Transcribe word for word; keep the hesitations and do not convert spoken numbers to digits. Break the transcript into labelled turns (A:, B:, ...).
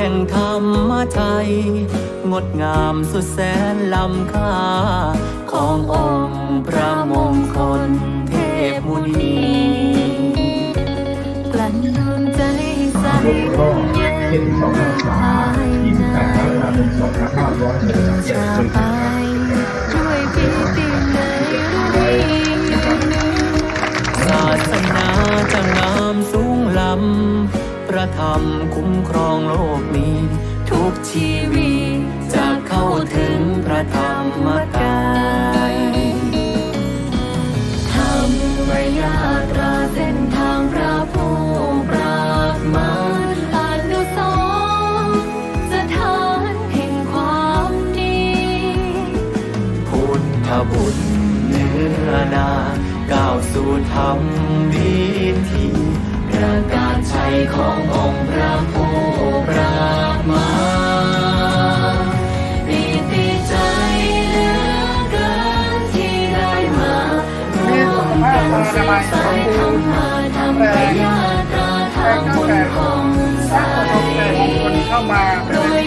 A: ห่งธรรมไทยงดงามสุดแสนล้ำค่าขององค์พระมงคลเทพมุนี
B: กลั่นดวงใจใสเย็นภายในชาไปด้วยปีติใน
A: ศาสนาจะงามสูงล้ำพระธรรมคุ้มครองโลกนี้ทุกชีวิตจะเข้าถึงพระธรรมกาย
B: ธรรมยาตราเส้นทางพระผู้ปราบมารอนุสรณ์สถานแห่งความดี
A: พุทธบุตรเนื้อนาก้าวสู่ธรรมดีที่ประกาศชัยขององค์พระผู้ปราบมาร
B: ปีติใจเหลือเกินที่ได้มาร่วมกันสืบสายธรรมะธรรมยาตราทางบุญของใสโปรย